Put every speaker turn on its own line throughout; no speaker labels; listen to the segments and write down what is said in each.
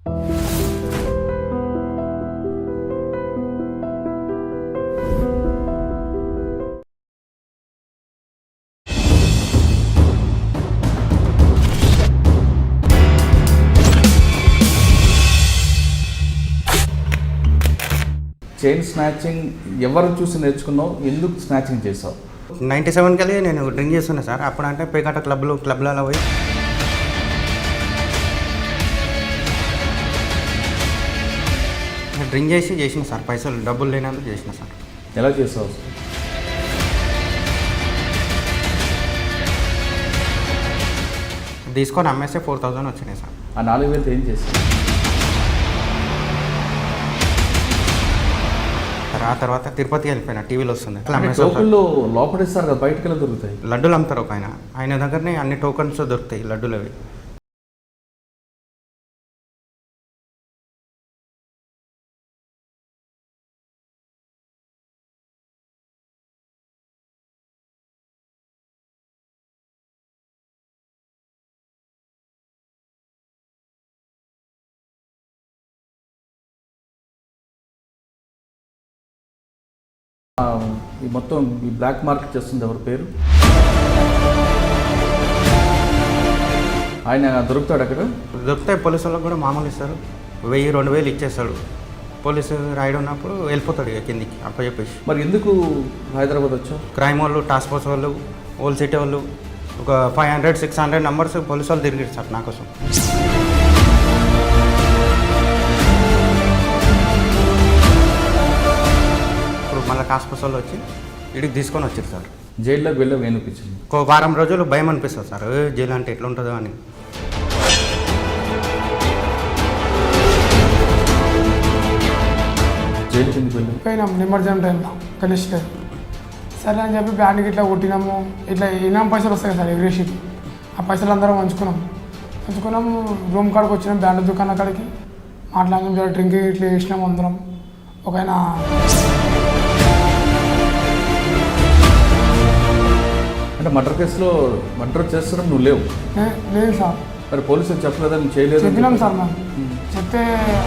Chain snatching ఎవరు చూసి నేర్చుకున్నావు, ఎందుకు స్నాచింగ్ చేసావు?
97 కల్లా నేను డ్రింక్ చేస్తున్నా సార్. అప్పుడు అంటే పేకాట క్లబ్లలో పోయి డ్రింక్ చేసిన సార్. పైసలు డబ్బులు లేనందుకు చేసిన సార్.
ఎలా చేసావు?
తీసుకొని అమ్మేస్తే 4000 వచ్చినాయి సార్.
ఆ 4000 ఏం చేసావు?
ఆ తర్వాత తిరుపతికి వెళ్ళిపోయినా, టీవీలో వస్తుంది.
టోకన్లు లోపడిస్తారు కదా, బయటకు వెళ్ళి దొరుకుతాయి.
లడ్డూలు అమ్ముతారు ఒక ఆయన దగ్గరనే అన్ని టోకన్స్ దొరుకుతాయి లడ్డూలు అవి.
ఈ మొత్తం ఈ బ్లాక్ మార్కెట్ చేస్తుంది ఎవరి పేరు? ఆయన దొరుకుతాడు అక్కడ?
దొరుకుతాయి. పోలీసు వాళ్ళకి కూడా మామూలు ఇస్తారు, 1000-2000 ఇచ్చేస్తాడు. పోలీసు రాయడం ఉన్నప్పుడు వెళ్ళిపోతాడు ఇక కిందికి అప్పచెప్పేసి.
మరి ఎందుకు హైదరాబాద్ వచ్చావు?
క్రైమ్ వాళ్ళు, టాస్క్ ఫోర్స్ వాళ్ళు, ఓల్డ్ సిటీ వాళ్ళు ఒక 500-600 నెంబర్స్ పోలీసు వాళ్ళు తిరిగారు సార్ నా కోసం. మళ్ళీ టాస్క్ ఫోర్స్ వాళ్ళు వచ్చి ఇడికి తీసుకొని వచ్చారు సార్.
జైల్లోకి వెళ్ళి ఏమనిపించింది?
ఒక వారం రోజులు భయం అనిపిస్తుంది సార్, జైలు అంటే ఎట్లా ఉంటుందో అని.
జైలు కిందకి వెళ్ళి
పోయినాం నిమజ్జనం టైంలో గణేష్ గారు. సరే అని చెప్పి బ్యాండ్కి ఇట్లా కొట్టినాము. ఇట్లా ఇనాం పైసలు వస్తాయి సార్ ఎగ్రేషన్కి. ఆ పైసలు అందరం పంచుకున్నాము. రూమ్ కాడికి వచ్చినాం, బ్యాండ్ దుకాణం కాడికి మాట్లాడినాం. డ్రింక్ ఇట్లా వేసినాం అందరం. ఒక ఆయన
అంటే మర్డర్ కేసులో మర్డర్ చేస్తున్నాం, నువ్వు లేవు?
లేదు సార్.
మరి పోలీసులు చెప్పలేదా నువ్వు చేయలేదు?
చెప్పినాం సార్ మేము. చెప్తే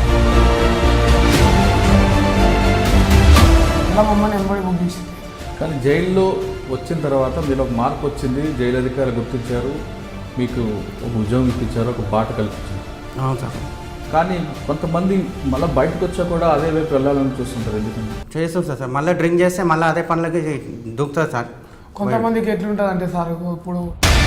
ఇలా మమ్మల్ని ఎంబడి పంపించింది.
కానీ జైల్లో వచ్చిన తర్వాత మీరు ఒక మార్పు వచ్చింది, జైలు అధికారులు గుర్తించారు, మీకు ఒక ఉద్యోగం ఇప్పించారు, ఒక బాట కల్పించారు.
అవును సార్.
కానీ కొంతమంది మళ్ళీ బయటకు వచ్చా కూడా అదే వైపు వెళ్ళాలని చూస్తుంటారు. ఎందుకంటే
చేస్తుంది సార్. మళ్ళీ డ్రింక్ చేస్తే మళ్ళీ అదే పనులకి దూకుతుంది సార్.
కొంతమందికి ఎట్లుంటుంది అంటే సార్, ఇప్పుడు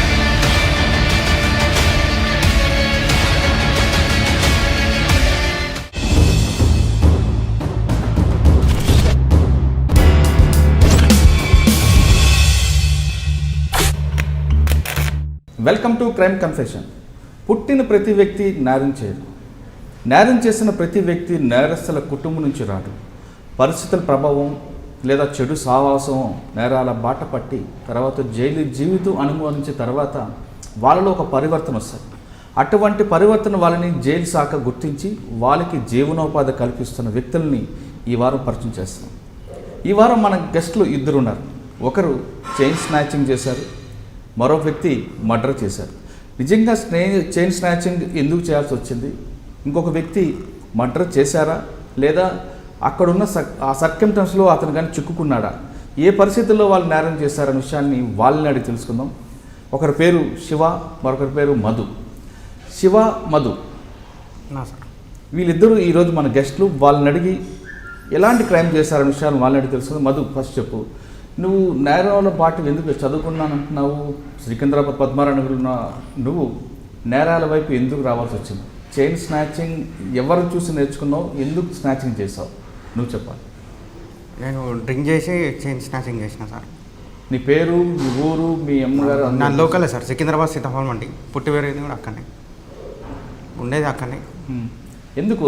వెల్కమ్ టు క్రైమ్ కన్ఫెషన్. పుట్టిన ప్రతి వ్యక్తి నేరం చేయడు. నేరం చేసిన ప్రతి వ్యక్తి నేరస్తుల కుటుంబం నుంచి రాడు. పరిస్థితుల ప్రభావం లేదా చెడు సావాసం నేరాల బాట పట్టి తర్వాత జైలు జీవితం అనుభవించిన తర్వాత వాళ్ళలో ఒక పరివర్తన వస్తుంది. అటువంటి పరివర్తన వాళ్ళని జైలు శాఖ గుర్తించి వాళ్ళకి జీవనోపాధి కల్పిస్తున్న వ్యక్తుల్ని ఈ వారం పరిచయం చేస్తాం. ఈ వారం మన గెస్టులు 2 ఉన్నారు. ఒకరు చైన్ స్నాచింగ్ చేశారు, మరో వ్యక్తి మర్డర్ చేశారు. నిజంగా చైన్ స్నాచింగ్ ఎందుకు చేయాల్సి వచ్చింది, ఇంకొక వ్యక్తి మర్డర్ చేశారా లేదా అక్కడున్న ఆ సర్కమ్స్టెన్స్లో అతను కానీ చిక్కుకున్నాడా, ఏ పరిస్థితుల్లో వాళ్ళు నేరం చేశారనే విషయాన్ని వాళ్ళని అడిగి తెలుసుకుందాం. ఒకరి పేరు శివ, మరొకరి పేరు మధు. శివ, మధు వీళ్ళిద్దరూ ఈరోజు మన గెస్టులు. వాళ్ళని అడిగి ఎలాంటి క్రైమ్ చేశారనే విషయాన్ని వాళ్ళని అడిగి తెలుసుకుందాం. మధు, ఫస్ట్ చెప్పు, నువ్వు నేరాల బాట ఎందుకు చదువుకున్నానంటున్నావు? సికింద్రాబాద్ పద్మారాయణలో ఉన్న నువ్వు నేరాల వైపు ఎందుకు రావాల్సి వచ్చింది? చైన్ స్నాచింగ్ ఎవరు చూసి నేర్చుకున్నావు, ఎందుకు స్నాచింగ్ చేసావు నువ్వు చెప్పాలి.
నేను డ్రింక్ చేసి చైన్ స్నాచింగ్ చేసిన సార్.
నీ పేరు, మీ ఊరు, మీ అమ్మగారు?
నా లోకలే సార్, సికింద్రాబాద్ సీతాఫలం మండి. పుట్టి పెరిగింది కూడా అక్కడనే, ఉండేది అక్కడనే.
ఎందుకు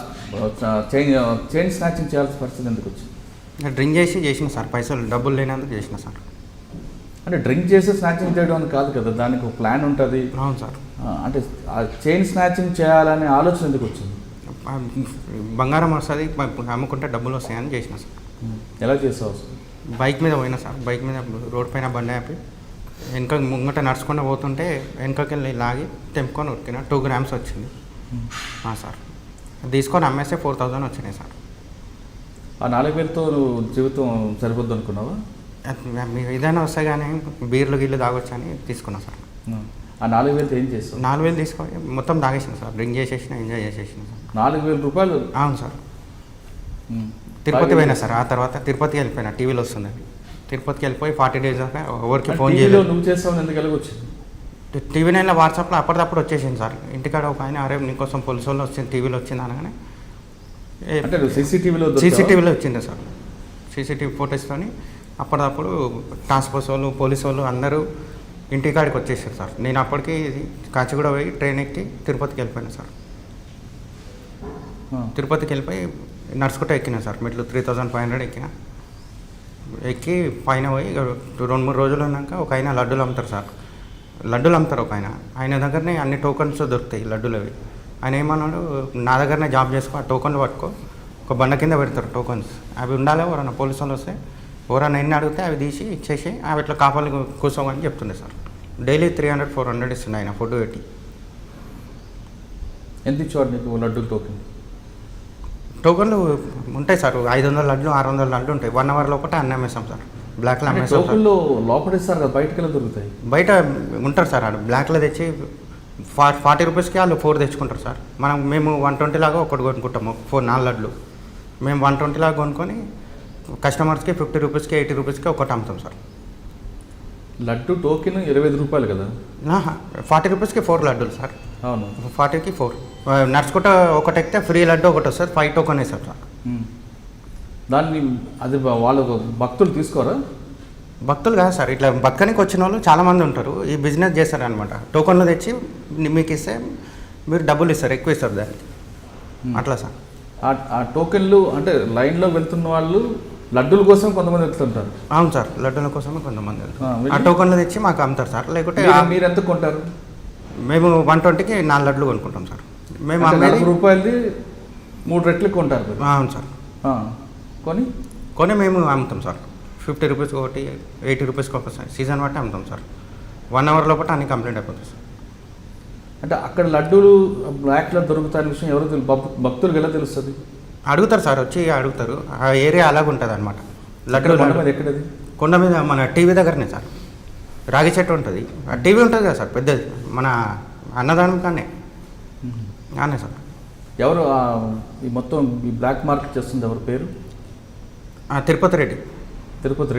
చైన్ స్నాచింగ్ చేయాల్సిన పరిస్థితి ఎందుకు వచ్చింది?
డ్రింక్ చేసిన సార్. పైసలు డబ్బులు లేనందుకు చేసిన సార్.
అంటే డ్రింక్ చేసి స్నాచింగ్ చేయడం అని కాదు కదా, దానికి ఒక ప్లాన్ ఉంటుంది.
అవును సార్.
అంటే చైన్ స్నాచింగ్ చేయాలనే ఆలోచన ఎందుకు వచ్చింది?
బంగారం వస్తుంది, అమ్ముకుంటే డబ్బులు వస్తాయని చేసిన సార్.
ఎలా చేసావు?
బైక్ మీద పోయినా సార్. బైక్ మీద రోడ్ పైన బండి ఆపి వెనక ముంగట నడుచుకుంటూ పోతుంటే వెనకకి వెళ్ళి లాగి తెంపుకొని ఉరికిన 2 grams వచ్చింది సార్. తీసుకొని అమ్మేస్తే 4,000 వచ్చినాయి సార్.
ఆ 4,000తో నువ్వు జీవితం సరిపోద్దు అనుకున్నావా?
మీకు ఏదైనా వస్తాయి కానీ బీర్లు గిల్లు తాగొచ్చు అని తీసుకున్నా సార్.
ఆ 4,000తో ఏం చేస్తావు?
4,000 తీసుకొని మొత్తం తాగేసిన సార్, డ్రింక్ చేసేసిన, ఎంజాయ్ చేసేసిన సార్.
4,000 రూపాయలు?
అవును సార్. తిరుపతి పోయినా సార్, ఆ తర్వాత తిరుపతికి వెళ్ళిపోయినా, టీవీలో వస్తుందని తిరుపతికి వెళ్ళిపోయి 40 days దాకా ఎవరికి ఫోన్ చేయలేదు.
నువ్వు చేస్తావు ఎందుకు వెళ్ళకొచ్చింది?
టీవీ నైన్లో వాట్సాప్లో అప్పటిదప్పుడు వచ్చేసింది సార్. ఇంటికాడ ఒక ఆయన అరే నీకోసం పోలీసు వాళ్ళు వచ్చింది, టీవీలో వచ్చింది అనగానే
అంటే
సీసీటీవీలో వచ్చింది సార్. సీసీటీవీ ఫోటోస్తోని అప్పటిదప్పుడు టాస్క్ ఫోర్స్ వాళ్ళు, పోలీసు వాళ్ళు అందరూ ఇంటికాడికి వచ్చేసారు సార్. నేను అప్పటికి కాచిగూడ పోయి ట్రైన్ ఎక్కి తిరుపతికి వెళ్ళిపోయాను సార్. తిరుపతికి వెళ్ళిపోయి నడుచుకుంటూ ఎక్కినా సార్, మెట్లు 3,500 ఎక్కి పైన పోయి 2-3 రోజులు ఉన్నాక ఒక ఆయన లడ్డూలు అమ్ముతారు సార్. లడ్డూలు అమ్ముతారు ఒక ఆయన దగ్గరనే అన్ని టోకన్స్ దొరుకుతాయి లడ్డూలు అవి. ఆయన ఏమన్నాడు, నా దగ్గరనే జాబ్ చేసుకో, ఆ టోకన్లు పట్టుకో, ఒక బండ కింద పెడతారు టోకన్స్, అవి ఉండాలి, ఎవరన్నా పోలీసు వాళ్ళు వస్తే ఎవరన్నా ఎన్ని అడిగితే అవి తీసి ఇచ్చేసి అవి ఇట్లా కాపాలి కూర్చోమని చెప్తుండే సార్. డైలీ 300-400 ఇస్తుండే ఆయన ఫుడ్ పెట్టి.
ఎంత ఇచ్చేవాడు నీకు లడ్డూ టోకెన్?
టోకన్లు ఉంటాయి సార్, 500 లడ్లు 600 లడ్లు ఉంటాయి. 1 hour లోపల అన్నీ అమ్మేస్తాం సార్. బ్లాక్లో అమ్మేస్తాం.
టోకన్లు లోపల ఇస్తారు కదా, బయటకు వెళ్ళి దొరుకుతాయి?
బయట ఉంటారు సార్, ఆడ బ్లాక్లో తెచ్చి 40 రూపీస్కి వాళ్ళు 4 తెచ్చుకుంటారు సార్. మేము 120 లాగా ఒకటి కొనుక్కుంటాము, 4 లడ్లు. మేము 120 లాగా కొనుక్కొని కస్టమర్స్కి 50 రూపీస్కి 80 రూపీస్కి ఒకటి అమ్ముతాం సార్.
లడ్డు టోకెన్ 25 రూపాయలు కదా?
40 రూపీస్కి 4 లడ్డూలు సార్.
అవును,
40కి 4. నడుచుకుంటా ఒకటి ఎక్కితే ఫ్రీ లడ్డు ఒకటి వస్తుంది, 5 టోకెన్ వేస్తారు సార్.
దాన్ని అది వాళ్ళు భక్తులు తీసుకోరా?
భక్తులు కాదు సార్, ఇట్లా బతకనికి వచ్చిన వాళ్ళు చాలామంది ఉంటారు, ఈ బిజినెస్ చేస్తారనమాట. టోకన్లు తెచ్చి మీకు ఇస్తే మీరు డబ్బులు ఇస్తారు, ఎక్కువ ఇస్తారు దానికి, అట్లా సార్.
ఆ టోకెన్లు అంటే లైన్లో వెళ్తున్న వాళ్ళు లడ్డూల కోసం కొంతమంది వెళ్తుంటారు.
అవును సార్, లడ్డూల కోసమే కొంతమంది వెళ్తారు. ఆ టోకన్లు తెచ్చి మాకు అమ్ముతారు సార్. లేకుంటే
మీరు ఎంత కొంటారు?
మేము 120కి 4 లడ్లు కొనుక్కుంటాం సార్. మేము
40 రూపాయలది 3 రెట్లు కొంటారు.
అవును సార్. కొని మేము అమ్ముతాం సార్. 50 రూపీస్కి ఒకటి, 80 రూపీస్కి ఒకటి సార్. సీజన్ బట్టి అమ్ముతాం సార్. 1 hour లోపల అన్ని కంప్లీట్ అయిపోతుంది సార్.
అంటే అక్కడ లడ్డూలు బ్లాక్లో దొరుకుతాయని విషయం ఎవరు భక్తులకు ఎలా తెలుస్తుంది?
అడుగుతారు సార్, వచ్చి అడుగుతారు. ఆ ఏరియా అలాగ ఉంటుంది అనమాట. లడ్డూలు
కొండ మీద ఎక్కడది?
కొండ మీద మన టీవీ దగ్గరనే సార్. రాగి చెట్టు ఉంటుంది, ఆ టీవీ ఉంటుంది కదా సార్ పెద్దది, మన అన్నదానం కానీ అనే సార్.
ఎవరు ఈ మొత్తం ఈ బ్లాక్ మార్కెట్ చేస్తుంది ఎవరి పేరు?
తిరుపతి రెడ్డి.
తిరుపతి.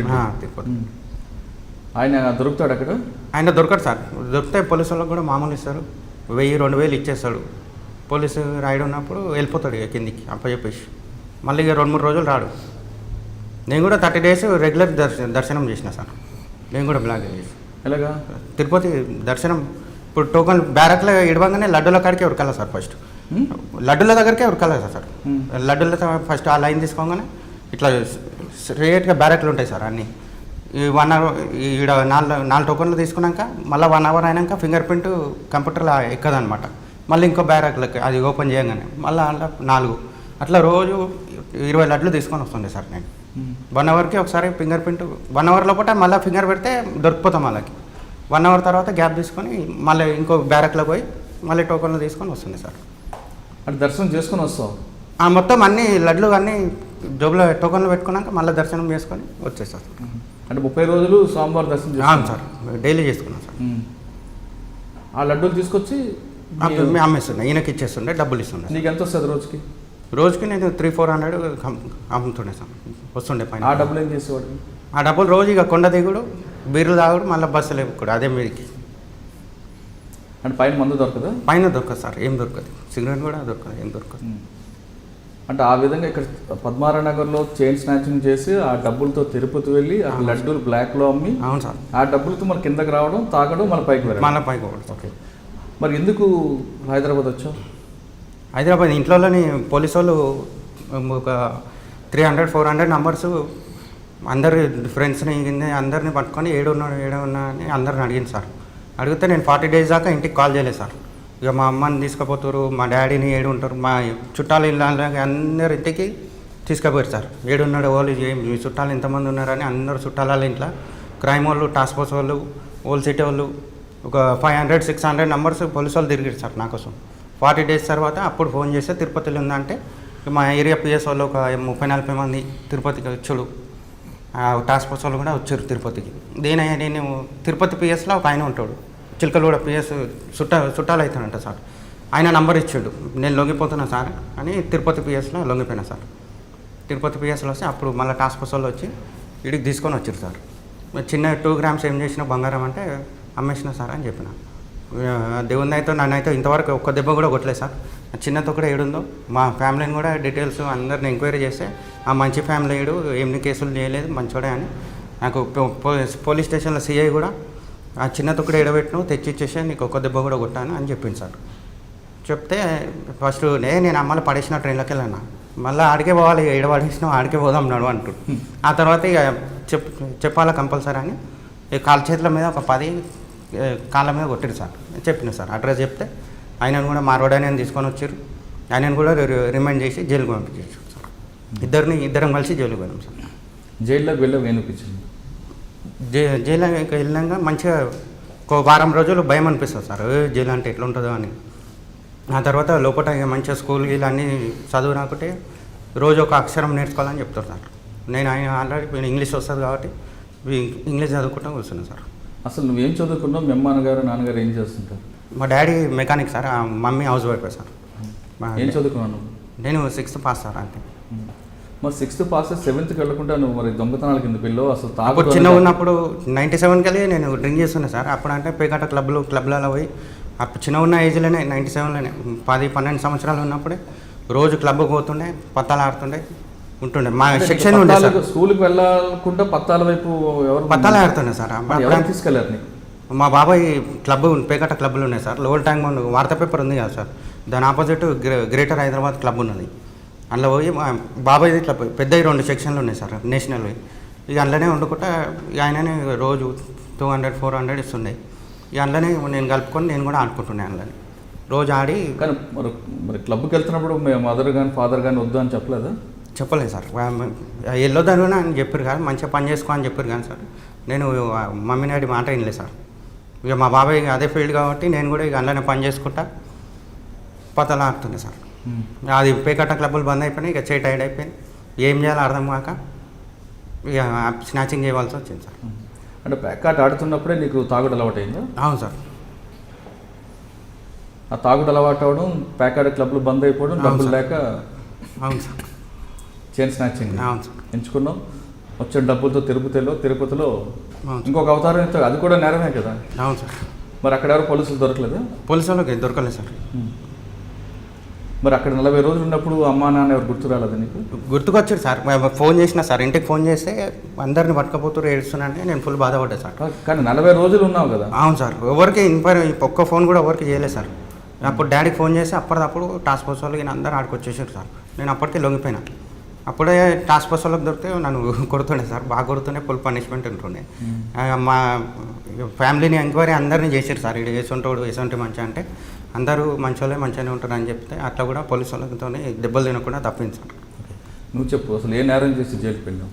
ఆయన దొరుకుతాడు అక్కడ?
ఆయన దొరకడు సార్. దొరికితే పోలీసు వాళ్ళకి కూడా మామూలు ఇస్తారు, 1000-2000 ఇచ్చేస్తాడు. పోలీసు రాయిడ్ ఉన్నప్పుడు వెళ్ళిపోతాడు ఇక కిందికి అప్పచెప్పేసి. మళ్ళీ ఇక 2-3 రోజులు రాడు. నేను కూడా 30 days రెగ్యులర్ దర్శనం చేసిన సార్. నేను కూడా బ్లాక్ చేసి.
ఎలాగా?
తిరుపతి దర్శనం ఇప్పుడు టోకన్ బ్యారక్లో ఇడవంగానే లడ్డూల కాడికి ఉరకాలి సార్. ఫస్ట్ లడ్డూల దగ్గరికే ఉరకాలి సార్. లడ్డూల ఫస్ట్ ఆ లైన్ తీసుకోగానే ఇట్లా స్ట్రేట్గా బ్యారక్లు ఉంటాయి సార్ అన్నీ. ఈ 1 hour ఈడ 4 టోకన్లు తీసుకున్నాక మళ్ళీ 1 hour అయినాక ఫింగర్ ప్రింట్ కంప్యూటర్లో ఎక్కదనమాట. మళ్ళీ ఇంకో బ్యారక్లకి అది ఓపెన్ చేయగానే మళ్ళీ అలా 4 అట్లా రోజు 20 లడ్లు తీసుకొని వస్తుండే సార్ నేను. 1 hourకి ఒకసారి ఫింగర్ ప్రింట్, 1 hour లోపల మళ్ళీ ఫింగర్ పెడితే దొరికిపోతాం. వాళ్ళకి 1 hour తర్వాత గ్యాప్ తీసుకొని మళ్ళీ ఇంకో బ్యారక్లో పోయి మళ్ళీ టోకన్లు తీసుకొని వస్తుంది సార్.
అంటే దర్శనం చేసుకొని వస్తాం
మొత్తం అన్ని లడ్లు అన్నీ జోబులో టోకన్లు పెట్టుకున్నాక మళ్ళీ దర్శనం చేసుకొని వచ్చేస్తాం.
అంటే 30 రోజులు స్వామివారి దర్శనం?
అవును సార్, డైలీ చేసుకున్నాం సార్.
ఆ లడ్డూలు తీసుకొచ్చి
మేము అమ్మేస్తుండే, ఈయనకి ఇచ్చేస్తుండే, డబ్బులు ఇస్తుండే.
నీకు ఎంత వస్తుంది రోజుకి?
రోజుకి నేను 300-400 అమ్ముతుండే సార్, వస్తుండే పైన.
ఆ డబ్బులు ఏం చేసేవాడు?
ఆ డబ్బులు రోజు ఇక కొండ దిగుడు, బీర్లు తాగుడు, మళ్ళీ బస్సులు ఎక్కుడు, అదే మీదకి.
అంటే పైన మందు దొరకదా?
పైన దొరకదు సార్, ఏం దొరకదు. సిగరెట్ కూడా దొరకదు, ఏం దొరకదు.
అంటే ఆ విధంగా ఇక్కడ పద్మారాయనగర్లో చైన్ స్నాచింగ్ చేసి ఆ డబ్బులతో తిరుపతి వెళ్ళి ఆ లడ్డూలు బ్లాక్లో అమ్మి,
అవును సార్,
ఆ డబ్బులతో మన కిందకి రావడం, తాగడం, మన పైకి వెళ్ళడం.
మన పైకి పోవడం.
ఓకే, మరి ఎందుకు హైదరాబాద్ వచ్చావు?
హైదరాబాద్ ఇంట్లోని పోలీసు వాళ్ళు ఒక 300-400 నంబర్స్ అందరు ఫ్రెండ్స్ని అందరిని పట్టుకొని ఏడున్నా అని అందరిని అడిగింది సార్. అడిగితే నేను 40 days దాకా ఇంటికి కాల్ చేయలేదు సార్. ఇక మా అమ్మని తీసుకుపోతారు, మా డాడీని ఏడు ఉంటారు, మా చుట్టాలు ఇళ్ళ అందరి ఇంటికి తీసుకుపోయారు సార్. ఏడున్నాడు వాళ్ళు, మీ చుట్టాలు ఎంతమంది ఉన్నారని అందరు చుట్టాల ఇంట్లో క్రైమ్ వాళ్ళు, టాస్క్ ఫోర్స్ వాళ్ళు, ఓల్ సిటీ వాళ్ళు ఒక 500-600 నంబర్స్ పోలీసు వాళ్ళు తిరిగారు సార్ నా కోసం. 40 డేస్ తర్వాత అప్పుడు ఫోన్ చేస్తే తిరుపతిలో ఉందంటే మా ఏరియా పిఎస్ వాళ్ళు ఒక 30-40 మంది తిరుపతికి వచ్చాడు. టాస్క్ ఫోర్స్ వాళ్ళు కూడా వచ్చారు తిరుపతికి. నేను తిరుపతి పిఎస్లో ఒక ఆయన ఉంటాడు, చిలకలూడ పిఎస్ చుట్టాలు అవుతానంట సార్. ఆయన నంబర్ ఇచ్చాడు, నేను లొంగిపోతున్నా సార్ అని తిరుపతి పిఎస్లో లొంగిపోయినా సార్. తిరుపతి పిఎస్లో వస్తే అప్పుడు మళ్ళీ టాస్క్ ఫోర్స్ వాళ్ళు వచ్చి ఇడికి తీసుకొని వచ్చారు సార్. చిన్న 2 గ్రామ్స్ ఏం చేసిన బంగారం అంటే అమ్మేసిన సార్ అని చెప్పిన. దేవుని అయితే నన్నైతే ఇంతవరకు ఒక్క దెబ్బ కూడా కొట్టలేదు సార్. చిన్నతో కూడా ఏడుందో మా ఫ్యామిలీని కూడా డీటెయిల్స్ అందరిని ఎంక్వైరీ చేస్తే ఆ మంచి ఫ్యామిలీ ఏడు ఏమి కేసులు చేయలేదు మంచోడే అని నాకు పోలీస్ స్టేషన్లో సిఐ కూడా ఆ చిన్నతో కూడా ఏడబెట్టిను తెచ్చిచ్చేసి నీకు ఒక్క దెబ్బ కూడా కొట్టాను అని చెప్పింది సార్. చెప్తే ఫస్ట్ నేను అమ్మాయిలు పడేసిన ట్రైన్లోకి వెళ్ళాను. మళ్ళీ ఆడికే పోవాలి, ఏడ పడేసినా ఆడికే పోదాం నడు అంటాడు. ఆ తర్వాత ఇక చెప్పాలా కంపల్సరీ అని కాళ్ళ చేతుల మీద ఒక 10 కాళ్ళ మీద కొట్టారు సార్. చెప్పిన సార్ అడ్రస్ చెప్తే ఆయనను కూడా మార్వాడని తీసుకొని వచ్చారు. ఆయనను కూడా రిమైండ్ చేసి జైలుకు పంపించారు సార్. ఇద్దరం కలిసి జైలుకు వెళ్ళాం సార్.
జైల్లోకి వెళ్ళి అనిపించింది.
జైలుకి వెళ్ళినాక మంచిగా ఒక వారం రోజులు భయం అనిపిస్తుంది సార్, జైలు అంటే ఎట్లా ఉంటుందో అని. ఆ తర్వాత లోపల మంచిగా స్కూల్ గీళ్ళు అన్నీ చదువు రాకుంటే రోజు ఒక అక్షరం నేర్చుకోవాలని చెప్తారు సార్. నేను ఆల్రెడీ ఇంగ్లీష్ వస్తుంది కాబట్టి ఇంగ్లీష్ చదువుకుంటూ కూర్చున్నాను సార్.
అసలు నువ్వేం చదువుకున్నావు? మీ అమ్మ నాన్నగారు ఏం చేస్తుంటారు?
మా daddy mechanic sir, mummy housewife sir.
ఏం చదువుకున్నాను?
నేను 6th పాస్ సార్. అంతే.
మరి 6th పాస్ 7th వెళ్ళకుండా నువ్వు మరి దొంగతనాల కింద పిల్లలు అసలు
అప్పుడు చిన్న ఉన్నప్పుడు 97 వెళ్ళి నేను డ్రింక్ చేస్తున్నా సార్. అప్పుడు అంటే పేకాట క్లబ్లలో పోయి అప్పుడు చిన్న ఉన్న ఏజ్లోనే 97లోనే 10-12 సంవత్సరాలు ఉన్నప్పుడే రోజు క్లబ్కి పోతుండే, పత్తాలు ఆడుతుండే ఉంటుండే. మా సెక్షన్ ఉండే సార్.
స్కూల్కి వెళ్ళకుండా పత్తాల వైపు ఎవరు
పత్తాలు ఆడుతుండే సార్.
తీసుకెళ్ళారు నీకు?
మా బాబాయ్ పేకాట క్లబ్లు ఉన్నాయి సార్. లోవల్ ట్యాంక్ బండ్ వార్తా పేపర్ ఉంది కదా సార్, దాని ఆపోజిట్ గ్రేటర్ హైదరాబాద్ క్లబ్ ఉన్నది. అందులో పోయి బాబాయ్ది క్లబ్ పెద్దవి 2 సెక్షన్లు ఉన్నాయి సార్ నేషనల్వి. ఇక అందులోనే వండుకుంటా ఆయననే రోజు 200-400 ఇస్తుండే. ఇక అందులోనే నేను కలుపుకొని నేను కూడా ఆడుకుంటుండే అందులోనే రోజు ఆడి.
కానీ మరి క్లబ్కి వెళ్తున్నప్పుడు మదర్ కానీ ఫాదర్ కానీ వద్దు అని చెప్పలేదా?
చెప్పలేదు సార్. వెళ్ళొద్దని అని చెప్పారు కానీ మంచిగా పని చేసుకో అని చెప్పారు కానీ సార్ నేను మమ్మీ డాడీ మాట వినలేదు సార్. ఇక మా బాబాయ్ అదే ఫీల్డ్ కాబట్టి నేను కూడా ఇక అందులోనే పని చేసుకుంటా పతలా ఆడుతుండే సార్. అది పేకాట క్లబ్బులు బంద్ అయిపోయినాయి. ఇక చేయి టైడ్ అయిపోయింది, ఏం చేయాలో అర్థం కాక ఇక స్నాచింగ్ చేయవలసి వచ్చింది సార్.
అంటే పేకాట ఆడుతున్నప్పుడే నీకు తాగుడు అలవాటు అయిందా?
అవును సార్.
ఆ తాగుడు అలవాటు అవడం, పేకాట క్లబ్లు బంద్ అయిపోవడం, డబ్బులు లేక.
అవును సార్.
చైన్ స్నాచింగ్
అవును సార్
ఎంచుకున్నాం. వచ్చే డబ్బులతో తిరుపతిలో ఇంకొక అవతారం, అది కూడా నేరమే కదా?
అవును సార్.
మరి అక్కడ ఎవరు పోలీసులు దొరకలేదు?
పోలీసు వాళ్ళకి దొరకలేదు సార్.
మరి అక్కడ 40 రోజులు ఉన్నప్పుడు అమ్మా నాన్న ఎవరు గుర్తు రాలేదు నీకు?
గుర్తుకొచ్చారు సార్. ఫోన్ చేసిన సార్, ఇంటికి ఫోన్ చేస్తే అందరిని పట్టుకపోతూ ఏడుస్తున్నానంటే నేను ఫుల్ బాధపడ్డా సార్.
కానీ 40 రోజులు ఉన్నావు కదా?
అవును సార్. ఎవరికి ఒక్క ఫోన్ కూడా ఎవరికి చేయలేదు సార్. అప్పుడు డాడీకి ఫోన్ చేసి అప్పటిదప్పుడు టాస్క్ ఫోర్స్ వాళ్ళకి అందరూ ఆడుకొచ్చేసారు సార్. నేను అప్పటికే లొంగిపోయినా. అప్పుడే టాస్క్ ఫోర్స్ వాళ్ళకి దొరికితే నన్ను కొడుతుండే సార్, బాగా కొడుతుండే, ఫుల్ పనిష్మెంట్ ఉంటుండే. మా ఫ్యామిలీని ఎంక్వైరీ అందరినీ చేశారు సార్. ఇది వేసుంటాడు వేసుంటే మంచిగా అంటే అందరూ మంచోళ్ళే మంచిగానే ఉంటారు అని చెప్తే అట్లా కూడా పోలీసు వాళ్ళతో దెబ్బలు తినకుండా తప్పింది సార్.
నువ్వు చెప్పు, అసలు ఏ నేరం చేసి జైలుకి వెళ్ళావు?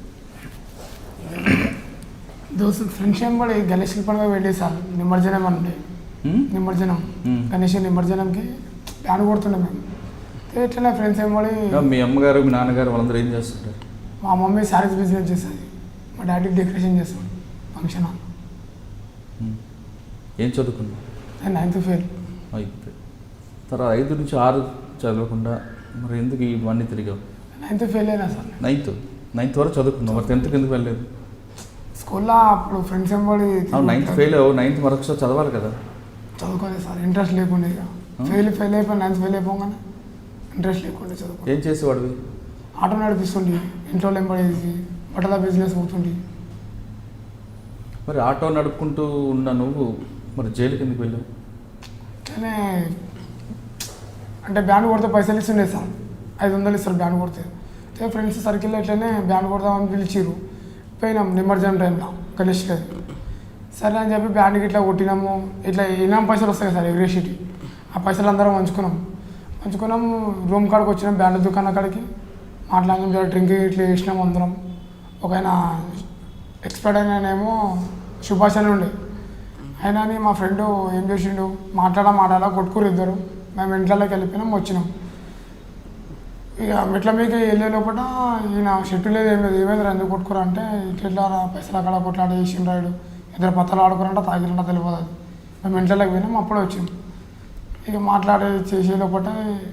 ఫ్రెండ్స్ ఏం కూడా గణేష్ పండుగ వెళ్ళి సార్ నిమజ్జనం అంటే నిమజ్జనం గణేష్ నిమజ్జనంకి ప్లాన్ కొడుతుండే మేము. ఇట్లా ఫ్రెండ్స్ ఏం పడి
మీ అమ్మగారు మీ నాన్నగారు వాళ్ళందరూ ఏం చేస్తుంటారు?
మా మమ్మీ శారీస్ బిజినెస్ చేస్తుంది, మా డాడీ డెకరేషన్ చేస్తాడు ఫంక్షన్ హాల్.
ఏం చదువుకున్నావు?
నేను 9th ఫెయిల్.
అయితే తర్వాత 5 నుంచి 6 చదవకుండా మరి ఎందుకు ఇవన్నీ తిరిగావు?
9th ఫెయిల్ అయినా సార్.
9th వరకు చదువుకున్నావు, మరి 10th ఎందుకు వెళ్ళలేదు?
స్కూల్లో అప్పుడు ఫ్రెండ్స్ ఏం పడి
9th ఫెయిల్ అవ్వు, 9th వరకు చదవాలి కదా?
చదువుకోలేదు సార్, ఇంట్రెస్ట్ లేకుండా. ఇక ఫెయిల్ అయిపోయి 9th ఫెయిల్ అయిపోగానే ఇంట్రెస్ట్ లేకుండా చదువుకో.
ఏం చేసేవాడివి?
ఆటో నడిపిస్తుండి, ఇంట్లో ఎంబడేసి బట్టల బిజినెస్ అవుతుండి.
మరి ఆటో నడుపుకుంటూ ఉన్న నువ్వు మరి జైలుకి ఎందుకు వెళ్ళావు?
అట్లనే అంటే బ్యాండ్ కొడితే పైసలు ఇస్తుండే సార్, 500 ఇస్తారు బ్యాండ్ కొడితే. ఫ్రెండ్స్ సర్కిల్లో ఇట్లనే బ్యాండ్ కొడదామని పిలిచిరు. పోయినాం నిమజ్జనం టైంలో గణేష్ గారి. సరే అని చెప్పి బ్యాండ్కి ఇట్లా కొట్టినాము. ఇట్లా ఇనాం పైసలు వస్తాయి సార్ ఎగ్రేషిటీ. ఆ పైసలు అందరం పంచుకున్నాం. రూమ్ కాడికి వచ్చినాం, బ్యాండ్ దుకాణం కాడికి మాట్లాడినాం, డ్రింక్ ఇట్లా వేసినాం అందరం. ఒక ఆయన ఎక్స్పర్ట్ అయినానేమో సుభాష్ అని ఉండే. అయినా మా ఫ్రెండ్ ఏం చేసిండు, మాట్లాడాలా కొట్టుకురు ఇద్దరు. మేము ఇంట్లోకి వెళ్ళిపోయినాం వచ్చినాం. ఇక మెట్ల మీకు వెళ్ళే లోపల ఈయన షెట్టు లేదు ఏం లేదు, ఏమైంది ఎందుకు కొట్టుకురా అంటే ఇట్లా పైసలు అక్కడ కొట్లాడి వేసిన రాయుడు ఇద్దరు పత్తలు ఆడుకురంట తాగిరంట తెలియదు. అది మేము ఇంట్లోకి పోయినాం అప్పుడే వచ్చింది. ఇక మాట్లాడే చేసే లోపల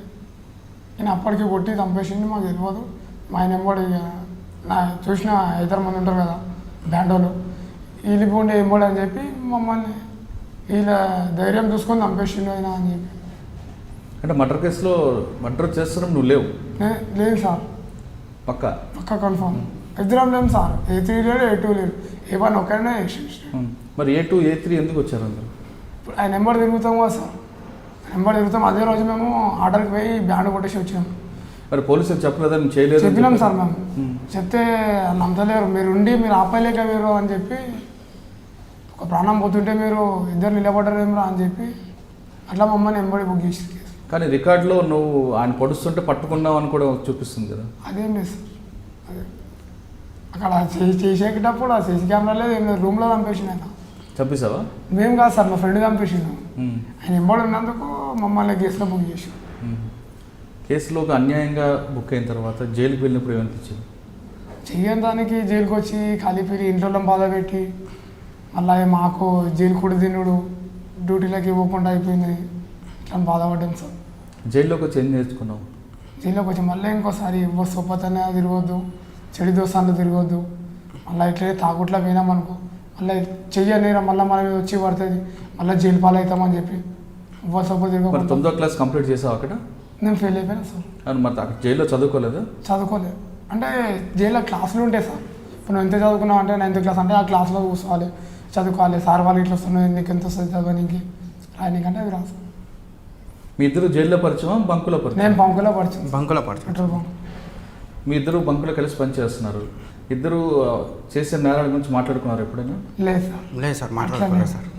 నేను అప్పటికి కొట్టి చంపేసింది మాకు తెలియదు. మా ఆయన ఎంబడి ఇక నా చూసిన ఇద్దరు మంది ఉంటారు కదా బ్యాండ్ వాళ్ళు వీళ్ళిపోండి ఎంబడి అని చెప్పి మమ్మల్ని వీళ్ళ ధైర్యం చూసుకొని చంపేసిండు ఆయన అని చెప్పి.
అంటే మర్డర్ కేసులో మర్డర్ చేస్తున్నాం నువ్వు లేవు?
లేదు సార్, పక్క కన్ఫర్మ్. ఇద్దరం లేము సార్, A3 లేడు A2 లేడు, A1 ఒక్కడనే.
మరి A2 A3 ఎందుకు వచ్చారు అందరు?
ఇప్పుడు ఆయన నెంబర్ తిరుగుతాం కదా సార్, నెంబర్ తిరుగుతాం. అదే రోజు మేము ఆర్డర్కి పోయి బ్యాండ్ కొట్టేసి వచ్చినాం.
మరి పోలీసులు చెప్పలేదని చేయలేదు?
చెప్పినాం సార్ మేము, చెప్తే నమ్మలేరు. మీరు ఉండి మీరు ఆపలేక మీరు అని చెప్పి, ఒక ప్రాణం పోతుంటే మీరు ఇద్దరు నిలబడ్డారేమరా అని చెప్పి అట్లా మమ్మల్ని ఎంబడి బుక్ చేసి.
కానీ రికార్డులో నువ్వు ఆయన పొడుస్తుంటే పట్టుకున్నావు అని కూడా చూపిస్తుంది కదా?
అదేం లేదు సార్, అదే అక్కడ చేసేటప్పుడు ఆ సీసీ కెమెరా లేదు ఏం లేదు, రూమ్లో చంపేసిండు ఆయన.
చంపేసావా? మేము
కాదు సార్, మా ఫ్రెండ్ చంపేసిండు. ఆయన ఎంబడి ఉన్నందుకు మమ్మల్ని కేసులో బుక్ చేసి.
కేసులోకి అన్యాయంగా బుక్ అయిన తర్వాత జైలుకి వెళ్ళినప్పుడు ఏమనిపించింది?
చెయ్యని దానికి జైలుకి వచ్చి ఖాళీపీరి ఇంట్లో బాధ పెట్టి మళ్ళీ మాకు జైలు కూడా తినుడు డ్యూటీలోకి ఇవ్వకుండా అయిపోయింది, ఇట్లా బాధపడ్డాం సార్.
జైల్లోకి వచ్చి ఏం నేర్చుకున్నావు?
జైల్లోకి వచ్చి మళ్ళీ ఇంకోసారి సొప్పతనే తిరగొద్దు, చెడు దోసాలు తిరగొద్దు, మళ్ళీ ఇట్లే తాగుట్లా పోయినామనుకో మళ్ళీ చెయ్యలేరా మళ్ళీ మన మీద వచ్చి పడుతుంది, మళ్ళీ జైలు పాలు అవుతామని చెప్పి సొప్ప తిరగదు.
9వ క్లాస్ కంప్లీట్ చేసావు అక్కడ?
నేను ఫెయిల్ అయిపోయాను సార్.
మరి అక్కడ జైల్లో చదువుకోలేదు?
చదువుకోలేదు అంటే జైల్లో క్లాసులు ఉంటాయి సార్. ఇప్పుడు నువ్వు ఎంత చదువుకున్నావు అంటే 9th క్లాస్ అంటే ఆ క్లాస్లో కూర్చోవాలి, చదువుకోవాలి. సార్ వాళ్ళు ఇట్లా వస్తున్నాయి, నీకు ఎంత వస్తుంది చదవడానికి రాయనీకంటే అవి రాదు.
మీ ఇద్దరు జైల్లో పరిచయం బంకులో పరిచయం?
నేను బంకులో పరిచయం. Petrol bunk.
మీ ఇద్దరు బంకులో కలిసి పనిచేస్తున్నారు. ఇద్దరు చేసే నేరాల గురించి మాట్లాడుకున్నారు ఎప్పుడైనా?
లేదు
సార్ మాట్లాడుకోలేదు సార్.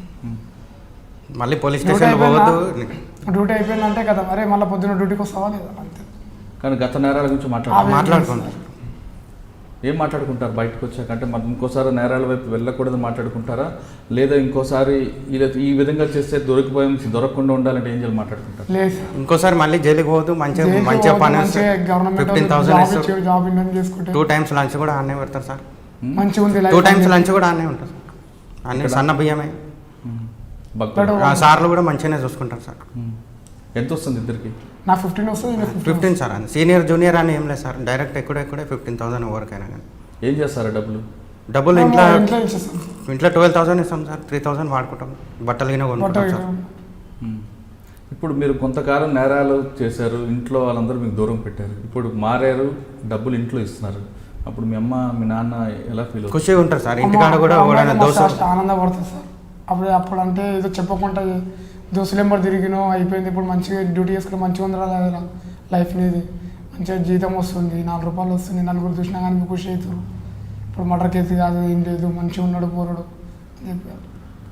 మళ్ళీ పోలీస్ స్టేషన్లో పోవద్దు,
డ్యూటీ అయిపోయిందంటే కదా మరి మళ్ళీ పొద్దున్న డ్యూటీకి వస్తావా లేదా అంతే.
కానీ గత నేరాల గురించి
మాట్లాడుకుంటారు.
ఏం మాట్లాడుకుంటారు బయటకు వచ్చాక? అంటే మరి ఇంకోసారి నేరాల వైపు వెళ్ళకూడదు మాట్లాడుకుంటారా, లేదా ఇంకోసారి ఈ విధంగా చేస్తే దొరకకుండా ఉండాలంటే ఏం చేయాలి మాట్లాడుకుంటారు?
లేదు
ఇంకోసారి మళ్ళీ జైలుకి పోవద్దు, మంచిగా పని 15,000 ఇస్తారు,
జాబ్ చేసుకుంటే
2 times లంచ్ కూడా ఆనే పెడతారు సార్.
మంచిగా ఉంది,
2 times లంచ్ కూడా ఆనే ఉంటుంది సార్. అన్ని సన్న బియ్యమే. సార్లు కూడా మంచిగానే చూసుకుంటారు సార్.
ఎంత వస్తుంది ఇద్దరికి?
నాకు 15 వస్తుంది.
15 సార్, అని సీనియర్ జూనియర్ అని ఏం లేదు సార్, డైరెక్ట్ ఎక్కడే 15,000 ఎవరికైనా. కానీ
ఏం చేస్తారు డబ్బులు?
ఇంట్లో 12,000 ఇస్తాం సార్, 3,000 వాడుకుంటాం, బట్టలు గిన కొనుక్కుంటాం సార్.
ఇప్పుడు మీరు కొంతకాలం నేరాలు చేశారు, ఇంట్లో వాళ్ళందరూ మీకు దూరం పెట్టారు, ఇప్పుడు మారారు, డబ్బులు ఇంట్లో ఇస్తున్నారు. అప్పుడు మీ అమ్మ మీ నాన్న ఎలా ఫీల్ అవుతారు?
ఖుషిగా ఉంటారు సార్. ఇంటికాడ కూడా
ఆనందపడుతుంది సార్. అప్పుడు అంటే ఏదో చెప్పకుండా దోస్తులు ఎంబడి తిరిగినో అయిపోయింది, ఇప్పుడు మంచిగా డ్యూటీ చేసుకుంటే మంచిగా ఉందా లైఫ్ అనేది, మంచిగా జీతం వస్తుంది, 4 రూపాయలు వస్తుంది, నలుగురు చూసినా కానీ ఖుషి అవుతారు. ఇప్పుడు మర్డర్ కేసు కాదు ఏం లేదు, మంచిగా ఉన్నాడు పోరాడు అని చెప్పారు.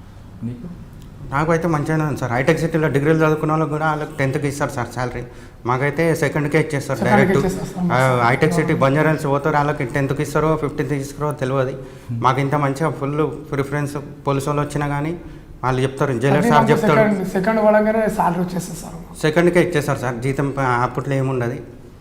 నాకు అయితే మంచిగానే ఉంది సార్. హైటెక్ సిటీలో డిగ్రీలు చదువుకున్న వాళ్ళకి కూడా వాళ్ళకి 10th ఇస్తారు సార్ శాలరీ, మాకైతే 2ndకే ఇచ్చేస్తారు డైరెక్ట్. హైటెక్ సిటీ బంజారాల్స్ పోతారు, వాళ్ళకి 10th ఇస్తారో 15th ఇస్తారో తెలియదు. మాకు ఇంత మంచిగా ఫుల్ ప్రిఫరెన్స్ పోలీసు వాళ్ళు వచ్చినా కానీ వాళ్ళు చెప్తారు, జైలర్ సార్ చెప్తారు
సెకండ్ పడంగానే సాలరీ వచ్చేస్తారు సార్.
2ndకే ఇచ్చేస్తారు సార్, జీతం అప్పట్లో ఏముండదు.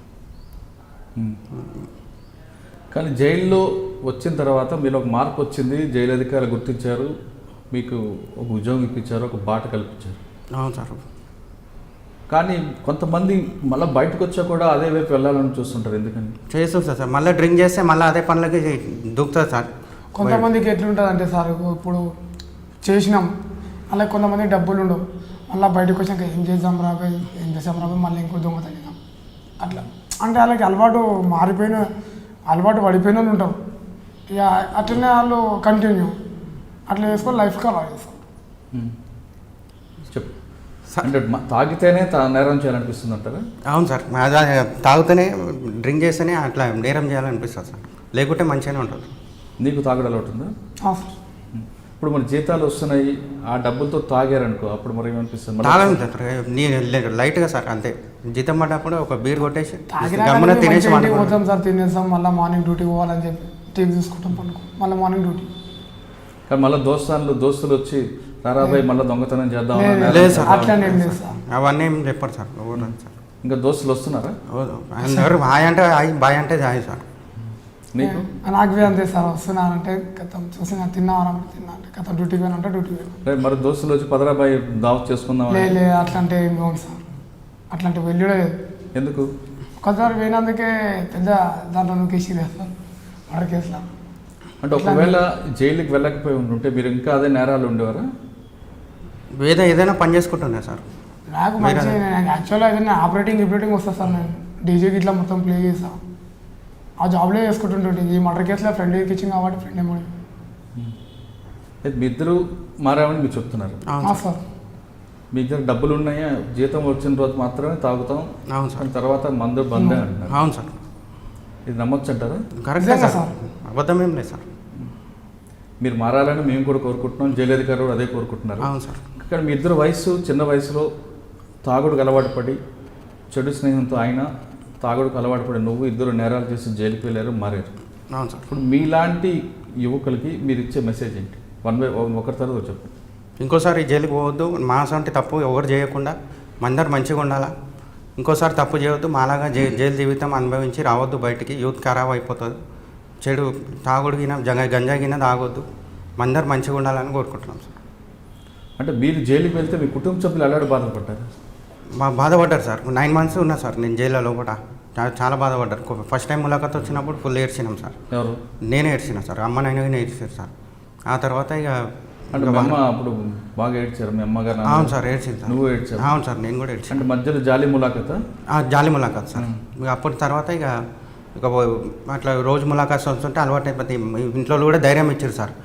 కానీ జైల్లో వచ్చిన తర్వాత మీలో ఒక మార్పు వచ్చింది, జైలు అధికారులు గుర్తించారు, మీకు ఒక ఉద్యోగం ఇప్పించారు, ఒక బాట కల్పించారు.
అవును సార్.
కానీ కొంతమంది మళ్ళీ బయటకు వచ్చా కూడా అదే వైపు వెళ్ళాలని చూస్తుంటారు, ఎందుకని?
చేస్తుంటారు సార్, మళ్ళీ డ్రింక్ చేస్తే మళ్ళీ అదే పనులకి దూకుతుంది సార్.
కొంతమందికి ఎట్లుంటుంది అంటే సార్, ఇప్పుడు చేసినాం అలా కొంతమందికి డబ్బులు ఉండవు, మళ్ళీ బయటకు వచ్చాక ఏం చేద్దాం రాబోయ్ మళ్ళీ ఇంకో దొంగతనం అట్లా. అంటే వాళ్ళకి అలవాటు పడిపోయిన వాళ్ళు ఉంటారు, ఇక అట్లనే వాళ్ళు కంటిన్యూ అట్లా చేసుకొని లైఫ్కి అలా చేస్తాం.
చెప్పు. అంటే తాగితేనే నేరం చేయాలనిపిస్తుంది అంటారా?
అవును సార్, తాగితేనే డ్రింక్ చేస్తేనే అట్లా నేరం చేయాలనిపిస్తుంది సార్, లేకుంటే మంచిగానే ఉంటుంది.
నీకు తాగడం అలవాటు ఉందా?
సార్
ఇప్పుడు మన జీతాలు వస్తున్నాయి, ఆ డబ్బులతో తాగారనుకో, అప్పుడు మరి ఏమనిపిస్తుంది?
తాగను లైట్గా సార్, అంతే. జీతం పడ్డప్పుడు ఒక బీర్ కొట్టేసి
పోతాం సార్, తినేస్తాం, మళ్ళీ మార్నింగ్ డ్యూటీ పోవాలని చెప్పి టీవీ చూసుకుంటాం, పనుకో మళ్ళీ మార్నింగ్ డ్యూటీ.
కానీ మళ్ళీ దోస్తులు వచ్చి రారాబాయ్ మళ్ళీ దొంగతనం చేద్దాం
లేదు,
అన్నారు.
లేదు సార్.
అట్లా నేను లేదు సార్.
అవన్నీ ఏం చెప్పారు సార్ ఎవరు రాదు సార్.
ఇంకా దోస్తులు వస్తున్నారా
అందరు హాయ్ అంటే హాయ్ బాయ్ అంటే హాయ్ సార్.
నీకు
నాకు బి అంతే సార్. వస్తున్నానంటే కథం చూసిన తిన్నావా తిన్నా అంటే కథ డ్యూటీకి పోయినంటే డ్యూటీకి పోయినా.
రేపు మరి దోస్తులు వచ్చి పదరాబాయ్ దావత్ చేసుకుందాం
లేదు లేదు అట్లాంటి ఏం పోను సార్. అట్లాంటి వెళ్ళుడే లేదు.
ఎందుకు
ఒకసారి పోయినందుకే పెద్ద దాంట్లో నూకేసి లేదు సార్ మర్డర్ కేసులో.
అంటే ఒకవేళ జైలుకి వెళ్ళకపోయి ఉంటే మీరు ఇంకా అదే నేరాలు ఉండేవారా?
ఏదైనా పని చేసుకుంటున్నా సార్.
నాకు మంచి నేను యాక్చువల్గా ఏదైనా ఆపరేటింగ్ వస్తా సార్. నేను డీజేకి ఇట్లా మొత్తం ప్లే చేస్తా. ఆ జాబ్లో చేసుకుంటుంటే ఈ మర్డర్ కేసులో ఫ్రెండ్ ఇచ్చింది కాబట్టి ఫ్రెండ్ ఏమో
మీ ఇద్దరు మారామని మీరు చెప్తున్నారు.
సార్.
మీ దగ్గర డబ్బులు ఉన్నాయా? జీతం వచ్చిన రోజు మాత్రమే తాగుతాం,
అవును సార్.
తర్వాత మందు బందే అంటున్నారు.
అవును సార్.
ఇది నమ్మొచ్చు అంటారా?
కరెక్టే
నిజంగా
సార్. అబద్ధం ఏం లేదు సార్.
మీరు మారాలని మేము కూడా కోరుకుంటున్నాం, జైలు అధికారులు అదే కోరుకుంటున్నారు.
అవును సార్.
ఇక్కడ మీ ఇద్దరు చిన్న వయసులో తాగుడుకు అలవాటు పడి చెడు స్నేహంతో ఆయన తాగుడుకు అలవాటు పడి నువ్వు ఇద్దరు నేరాలు చేసి జైలుకి వెళ్ళారు, మారారు.
అవును సార్.
ఇప్పుడు మీలాంటి యువకులకి మీరు ఇచ్చే మెసేజ్ ఏంటి? ఒకరి తర్వాత చెప్పు.
ఇంకోసారి జైలుకి పోవద్దు. మాసంటే తప్పు ఎవరు చేయకుండా అందరు మంచిగా ఉండాలా. ఇంకోసారి తప్పు చేయవద్దు. మాలాగా జైలు జీవితం అనుభవించి రావద్దు బయటికి. యూత్ ఖరాబ్ అయిపోతుంది. చెడు తాగుడుగిన గంజాగిన తాగొద్దు. అందరు మంచిగా ఉండాలని కోరుకుంటున్నాం సార్.
అంటే మీరు జైలుకి వెళ్తే మీ కుటుంబ సభ్యులు అలాంటి బాధపడ్డారు?
బాధపడ్డారు సార్. 9 months ఉన్నా సార్ నేను జైల్లో కూడా. చాలా బాధపడ్డారు. ఫస్ట్ టైం ములాఖాత్ వచ్చినప్పుడు ఫుల్ ఏడ్చినాం సార్.
ఎవరు?
నేనే ఏడ్చినా సార్. అమ్మ నాయన ఏడ్చారు సార్. ఆ తర్వాత ఇక
అంటే మీ అమ్మ అప్పుడు బాగా ఏడ్చారు మీ అమ్మగారు?
అవును సార్ ఏడ్చింది సార్.
నువ్వు ఏడ్చావు?
అవును సార్ నేను కూడా ఏడ్చాను.
అంటే మధ్యలో జాలి ములాఖత?
జాలి ములాఖాత్ సార్. ఇక అప్పటి తర్వాత ఇక అట్లా రోజు ములాఖాత్ వస్తుంటే అలవాటు అయిపోతే ఇంట్లో కూడా ధైర్యం ఇచ్చారు సార్.